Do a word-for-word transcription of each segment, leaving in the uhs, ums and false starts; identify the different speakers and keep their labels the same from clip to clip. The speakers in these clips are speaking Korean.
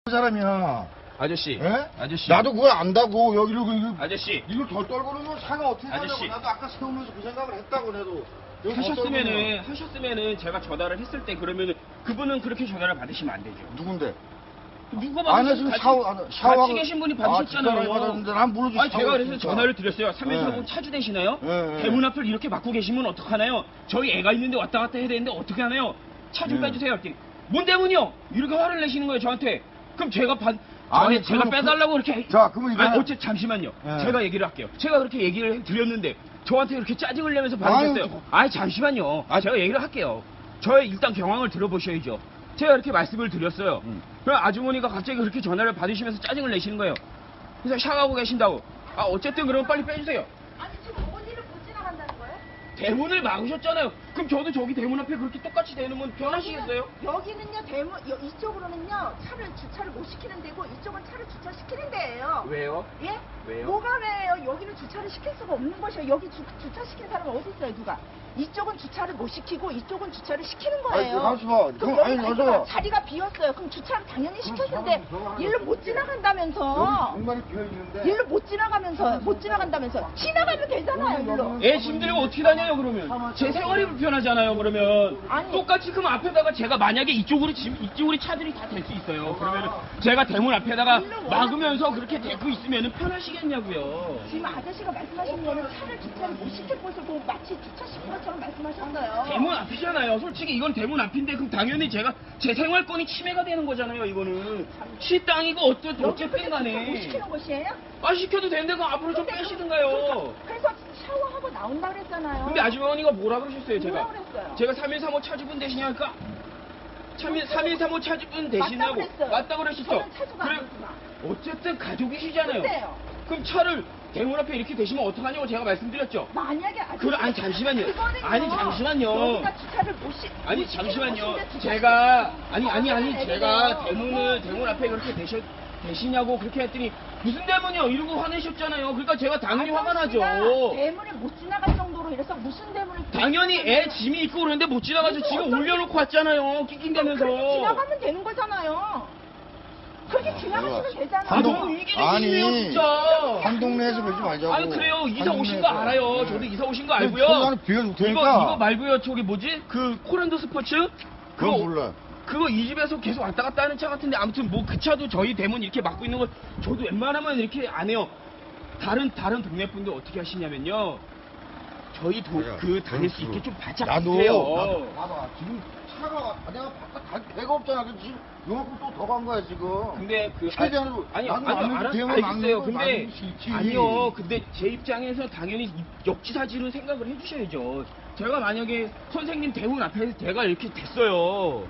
Speaker 1: 사람이야.
Speaker 2: 아저씨.
Speaker 1: 예?
Speaker 2: 아저씨.
Speaker 1: 나도 그걸 안다고 여기로 이거
Speaker 2: 아저씨.
Speaker 1: 이걸 덜 떨고는 차가 어떻게 가냐고.
Speaker 2: 아저씨.
Speaker 1: 나도 아까 세우면서 그 생각을 했다고 내도. 여기 더
Speaker 2: 하셨으면은
Speaker 1: 떨구면.
Speaker 2: 하셨으면은 제가 전화를 했을 때 그러면은 그분은 그렇게 전화를 받으시면 안 되죠.
Speaker 1: 누군데?
Speaker 2: 누가
Speaker 1: 안
Speaker 2: 받으신
Speaker 1: 했으면 샤워 안 샤워
Speaker 2: 같이 계신 분이 받으셨잖아요.
Speaker 1: 아, 받았는데 난 모르지.
Speaker 2: 아니 제가 그래서
Speaker 1: 샤워했으니까.
Speaker 2: 전화를 드렸어요. 삼일사공
Speaker 1: 네.
Speaker 2: 차주 되시나요?
Speaker 1: 네, 네.
Speaker 2: 대문 앞을 이렇게 막고 계시면 어떡하나요? 저희 애가 있는데 왔다 갔다 해야 되는데 어떻게 하나요? 차 좀
Speaker 1: 네.
Speaker 2: 빼주세요. 했더니 뭔 때문이요? 이렇게 화를 내시는 거예요 저한테. 그럼 제가 받
Speaker 1: 아니,
Speaker 2: 아니 제가
Speaker 1: 그럼
Speaker 2: 빼달라고 그렇게
Speaker 1: 자, 그러면 이거는-
Speaker 2: 아니 어째 잠시만요.
Speaker 1: 네.
Speaker 2: 제가 얘기를 할게요. 제가 그렇게 얘기를 드렸는데 저한테 그렇게 짜증을 내면서 받으셨어요.
Speaker 1: 아유,
Speaker 2: 아니 잠시만요. 아 제가 얘기를 할게요. 저의 일단 경황을 들어보셔야죠. 제가 이렇게 말씀을 드렸어요.
Speaker 1: 음.
Speaker 2: 그럼 아주머니가 갑자기 그렇게 전화를 받으시면서 짜증을 내시는 거예요. 그래서 샤워하고 계신다고. 아 어쨌든 그러면 빨리 빼주세요.
Speaker 3: 아니 지금 어디를 못 지나간다는 거예요?
Speaker 2: 대문을 막으셨잖아요. 그럼 저도 저기 대문 앞에 그렇게 똑같이 대놓으면 편하시겠어요?
Speaker 3: 여기는요 대문 여, 이쪽으로는요 차를 주차를 못 시키는 데고 이쪽은 차를 주차시키는 데예요.
Speaker 2: 왜요?
Speaker 3: 예?
Speaker 2: 왜요?
Speaker 3: 뭐가 왜요? 여기는 주차를 시킬 수가 없는 것이에요. 여기 주, 주차시킨 사람은 어디 있어요, 누가? 이쪽은 주차를 못 시키고 이쪽은 주차를 시키는 거예요.
Speaker 1: 아니, 가만있어 봐.
Speaker 3: 그럼
Speaker 1: 그럼,
Speaker 3: 여기
Speaker 1: 아니,
Speaker 3: 자기가
Speaker 1: 가서.
Speaker 3: 자리가 비었어요. 그럼 주차를 당연히 시켰을 때
Speaker 1: 사람이 들어가는
Speaker 3: 일로
Speaker 1: 거지.
Speaker 3: 못 지나간다면서.
Speaker 1: 공간이 비어 있는데.
Speaker 3: 일로 못 지나가면서 못 지나간다면서 지나가면 되잖아요, 일로.
Speaker 2: 애 짐들고 어떻게 다녀요 그러면? 제 생활이 불편하잖아요 그러면.
Speaker 3: 아니.
Speaker 2: 똑같이 그럼 앞에다가 제가 만약에 이쪽으로 짐 이쪽으로 차들이 다 댈 수 있어요. 그러면 제가 대문 앞에다가 막으면서 그렇게 대고 있으면 편하시겠냐고요.
Speaker 3: 지금 아저씨가 말씀하신 거는 차를 주차를 못 시킬 것을 보고 마치 주차시킨 것처럼 말씀하셨어요.
Speaker 2: 대문 앞이잖아요. 솔직히 이건 대문 앞인데 그럼 당연히 제가 제 생활권이 침해가 되는 거잖아요. 이거는 시 땅이고 어쩌
Speaker 3: 여기
Speaker 2: 어쨌든
Speaker 3: 그렇게 주차 못
Speaker 2: 간에.
Speaker 3: 시키는 것이에요?
Speaker 2: 아 시켜도 되는데 그럼 앞으로 좀
Speaker 3: 근데
Speaker 2: 빼시든가요.
Speaker 3: 그래서 샤워하고 나온다 그랬잖아요.
Speaker 2: 근데 아주머니가 뭐라 그러셨어요 제가?
Speaker 3: 뭐라 그랬어요?
Speaker 2: 제가 삼일삼오 차주분 되시냐니까 삼일삼오 차주분 되시냐고
Speaker 3: 맞다고 그랬어요.
Speaker 2: 맞다고 그러셨죠?
Speaker 3: 저는 차주가
Speaker 2: 그래
Speaker 3: 아니구나.
Speaker 2: 어쨌든 가족이시잖아요.
Speaker 3: 근데요.
Speaker 2: 그럼 차를 대문 앞에 이렇게 대시면 어떡하냐고 제가 말씀드렸죠.
Speaker 3: 만약에 아저씨
Speaker 2: 그래, 아니, 잠시만요.
Speaker 3: 그거는요,
Speaker 2: 아니, 잠시만요.
Speaker 3: 여기가 주차를 못 시.
Speaker 2: 아니
Speaker 3: 못 시키는
Speaker 2: 잠시만요.
Speaker 3: 곳인데 주차
Speaker 2: 제가
Speaker 3: 시키는
Speaker 2: 아니 아니 아니
Speaker 3: 거예요.
Speaker 2: 제가 대문을 대문 앞에 그렇게 대셔 대시냐고 그렇게 했더니 무슨 대문이요 이러고 화내셨잖아요. 그러니까 제가 당연히 화가 나죠.
Speaker 3: 아저씨가 대문을 못 지나갈 정도로 이래서 무슨 대문을
Speaker 2: 당연히 애 짐이 있고 그러는데 못 지나가서 지금
Speaker 3: 어떤-
Speaker 2: 올려놓고 왔잖아요. 낑낑대면서.
Speaker 3: 그렇게 지나가면 되는 거잖아요. 그렇게 지나가시면 되잖아요.
Speaker 2: 아
Speaker 1: 한동-
Speaker 2: 너무 이기적이네요
Speaker 1: 아니,
Speaker 2: 진짜.
Speaker 1: 한 동네에서 그러지 말자고.
Speaker 2: 아니 그래요. 이사
Speaker 1: 한
Speaker 2: 오신 거
Speaker 1: 동네에서.
Speaker 2: 알아요.
Speaker 1: 네.
Speaker 2: 저도 이사 오신 거
Speaker 1: 그럼
Speaker 2: 알고요.
Speaker 1: 공간을 비워줄 테니까.
Speaker 2: 이거 이거 말고요. 저기 뭐지? 그 코란도 스포츠?
Speaker 1: 그건 몰라.
Speaker 2: 그거 이 집에서 계속 왔다 갔다 하는 차 같은데 아무튼 뭐 그 차도 저희 대문 이렇게 막고 있는 거 저도 웬만하면 이렇게 안 해요. 다른 다른 동네 분들 어떻게 하시냐면요. 저희 도,
Speaker 1: 그래요.
Speaker 2: 그 다닐 수
Speaker 1: 그렇죠.
Speaker 2: 있게 좀 바짝
Speaker 1: 나도,
Speaker 2: 해요.
Speaker 1: 나도 봐봐. 지금 차가 내가 바깥 갈 데가 없잖아. 그래서 지금 요만큼 또 더 간 거야 지금.
Speaker 2: 근데 그
Speaker 1: 최대한으로
Speaker 2: 아니
Speaker 1: 나는
Speaker 2: 아니
Speaker 1: 막는
Speaker 2: 알아,
Speaker 1: 대응을
Speaker 2: 알겠어요.
Speaker 1: 막는 걸
Speaker 2: 근데
Speaker 1: 막을 수 있지.
Speaker 2: 아니요. 근데 제 입장에서 당연히 이- 역지사지를 생각을 해주셔야죠. 제가 만약에 선생님 대문 앞에 제가 이렇게 됐어요.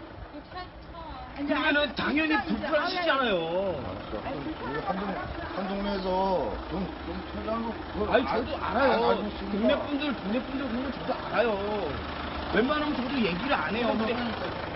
Speaker 3: 이제
Speaker 2: 그러면은
Speaker 3: 아저씨
Speaker 2: 당연히
Speaker 3: 진짜 이제
Speaker 2: 불편하시잖아요.
Speaker 1: 알았어.
Speaker 3: 아니,
Speaker 1: 그럼 우리 한 동네 한 동네에서 좀좀 최대한으로 그걸
Speaker 2: 아니
Speaker 1: 알-
Speaker 2: 저도
Speaker 1: 알-
Speaker 2: 알아요.
Speaker 1: 알고 있으니까.
Speaker 2: 동네 분들 동네 분들 그런 거 저도 알아요. 웬만하면 저도 얘기를 안 해요. 근데